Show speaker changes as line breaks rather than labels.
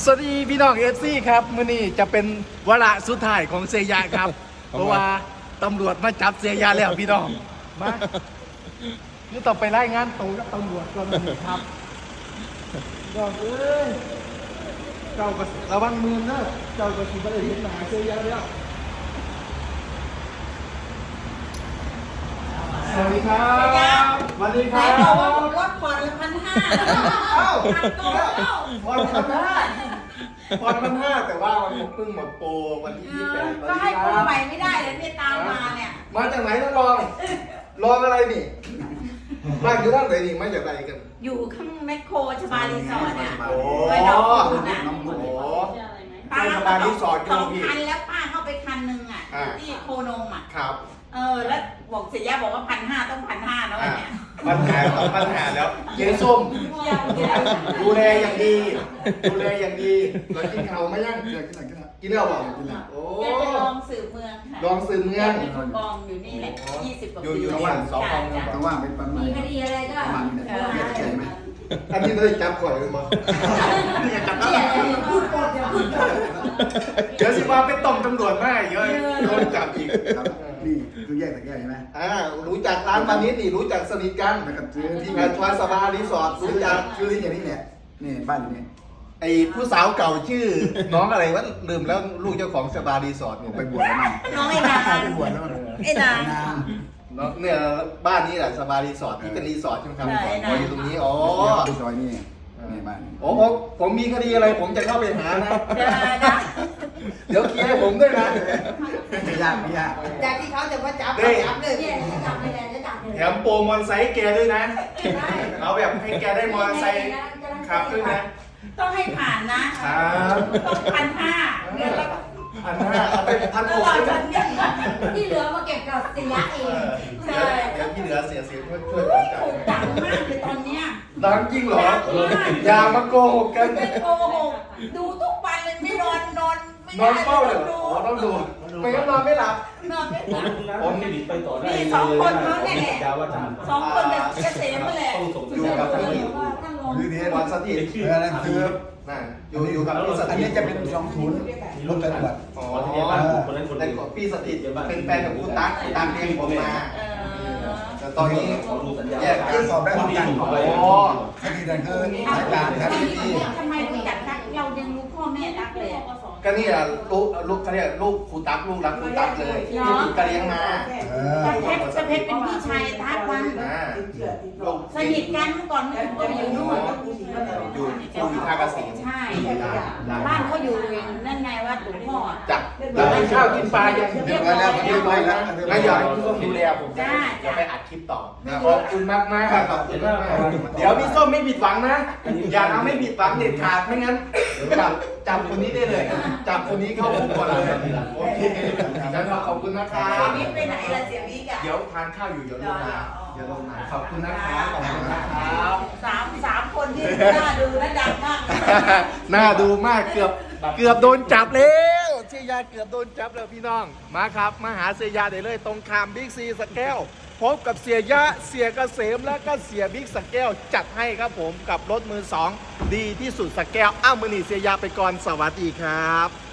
สวัสดีพี่น้องFCครับมื้อนี้จะเป็นวาระสุดท้ายของเสียยาครับ เพราะว่าตำรวจมาจับเสียยาแล้วพี่น้องมานี่ต้องไปรายงานตัวกับตำรวจก่อนนี่ครับพี่น้องเอ้ยเจ้าก็ระวังมือนะเจ้าก็สิบ่ได้เห็นหน้าเสียยาแล้วสวัสดีครับสวัสดีค
ไหน
รับ
บอกว่ารถผ่อน1,500
เอ้า
ผ่อนก่อนแล้ว
ผ่อน1,500แต่ว่ามันเพิ่งหมดโปรวันที่28
ก็ให้กูใหม่ไม่ได้เลยเนี่ยตามมาเนี่ย
มาจากไหนท่านรองอะไรนี่มาอยู่ด้านไหนนี่มาจากไหนกัน
อยู่ข้างแมคโครชบารีสอร์ทเนี่ย
โอ้
ไปดอกคูณนะ
โอ้
ป้า
ชบารีสอร์ท
สอง
พี่
คันแล้วป้าเข้าไปคันหนึ่งอ่ะ
อ่า
ที่โคนมอ่ะ
ครับ
แล้วบอกเสียยะบอกว่า1,500ต้อง1,500นะวันเนี้ย
ปัญหาแล้วเจ๊ส้มดูแลอย่างดีเรากินเขาไม่ยั่งกินแล้วบอกโอ้
แกเป็นรองสื่อเมืองค่ะ
ลองสื่อเมือง
แกเป็นผู้กองอยู่นี่แหละ20 กว่าปี
อยู่ที่สองกอง
จ้ะ
แต่ว่าเป็นประมาณ
มีคดีอะไรก็
ประมาณนี้ใช่ไหม
อันนี้เลยจับข่อยเลยมั้ง
พูดปดอย่าพูดปด
เดี๋ยวสิว่าไปต้มตำรวจมาเยอะโดนจับอีก
นี่คือแยกแต่แยกใช่ไหม
รู้จักร้านปานิชนี่รู้จักสนิทกัน
แล้วก็ซื้อที่
ที่งานทวารสบารีสอร์ทรู้จัก
คือที่อย่างนี้แหละนี่บ้านอยู่นี่
ไอ้ผู้สาวเก่าชื่อ น้องอะไรวะลืมแล้วลูกเจ้าของสบารีสอร์ทเนี่ย
ไปบวชแล้วมั้ง
น้องไอ้นาง
ไปบวชแล้วมั้ง
ไอ้นาง
น้องเนี่ยบ้านนี้แหละสบารีสอร์ทที่เป็นรีสอร์ทใช่ไหมครับ
ใช่
อ๋ออยู่ตรงนี้อ๋อ
ที่ซอยนี่นี่บ้าน
โอ้ผมมีคดีอะไรผมจะเข้าไปหานะ
เดี๋ยวนะ
เดี๋ยวเคลียร์ให้ผมด้วยนะ
ไม่ยากไม่ยาก
จากที่เขาจะมาจับ
เฮ้ย
จับเลยเนี่ยจะจับเลยจะจับเลย
แถมโปรมอเตอร์ไซค์แกด้วยนะเอาแบบให้แกได้มอเตอร์ไซค์ขับด้วยนะ
ต้องให้ผ่านนะครับ ต้อง1,500เดือนละ
1,500เอาไป
ตลอด
1,600
วันเนี่ย
ที่เหลือมาเก็บกับเสียเอง
ใช่
เดี๋ยวที่เหลือเสียช่วยกันจ่าย
ถูกดังมากเลยตอนเนี้ย
ดังจริงเหรอ อย่ามาโกหกกัน
เป็นโกหกดูทุกวันเลยไม่นอนไม่
นอน
ได้
เฝ้าเลย
ดู
อ๋อต้องดูไม่งั้นนอนไม่หลับ
นอนไม่หลับ
ผมนี่ไปต่อได้
นี่สองคนเขาเนี่ยแหละ
ยาวอาจารย์
สองคนกับเกษมนั่นแหละ
ต้องส่งสัญ
อยู่
ญาณ
กับ
ไป
พี่
ท่านลง
อยู่ที่วันสถิต
นั่นคือ
นั่นอยู่กับพี่ส
อัน
ถิ
นี้
ต
จะเป็น20รถตำรวจ
อ๋อ
คนนั้นคน
แต่
นี้
กับพี่สถิตเป็นแฟนกับคุณตั๊กตามเองผมมา
เออ
แต่ตอนนี้
ขอดูสัญญาณ
แยกกั
คือน สอบได้พร้อมกัน
อ๋อ
คดีนั้นคือสายการครับที่
ทำไมรู้จักตักเรายังรู้พ่อแม่ตักเลยอะ
ก็นี่อ่ะลูกเขาเรียกลูกครูตั๊กลูกรักครูตั๊กเลยที่ติดกระเลี้ยงมา
ตะเพชรเป็นพี่ชายทักวัน
ลูก
สนิทกันเมื่อก่อนไม่ก็อยู่นู่น
อยู่ท่าเกษม
ใช่บ้านเขาอยู่นั่นไงวัดหลวงพ่อ
จับแล้วกินข้าวกินปลายัง
เรียบร้อยแล้วเรียบร้อยแล้ว
งั้นอยากให้พี่ส้มดูแลผมจะไปอัดคลิปต่อขอบคุณมากมากขอบคุณมากเดี๋ยวพี่ส้มไม่ผิดหวังนะ อย่าทำให้ผิดหวังเด็ดขาดไม่งั้นจับคนนี้ได้เลย จับคนนี้เข้าคุกก่อนเลยโอเคงั้นขอบคุณนะครั
เสีย
บ
วิกไปไหนล่ะเสียวิกอ่ะ
เดี๋ยวทานข้าวอยู่เดี๋ยวลงมาเดี๋ยวลงมาขอบคุณนะครับขอบคุณนะครับ
สามคนที่น่าดูและดังมาก
น่าดูมากเกือบโดนจับแล้วเสียยาเกือบโดนจับแล้วพี่น้องมาครับมาหาเสียยาได้เลยตรงคามบิ๊กซีสแก้วพบกับเสียยะเสียเกษมและก็เสียบิ๊กสแก้วจัดให้ครับผมกับรถมือสองดีที่สุดสแก้วอ้าวมือหนีเสียยาไปก่อนสวัสดีครับ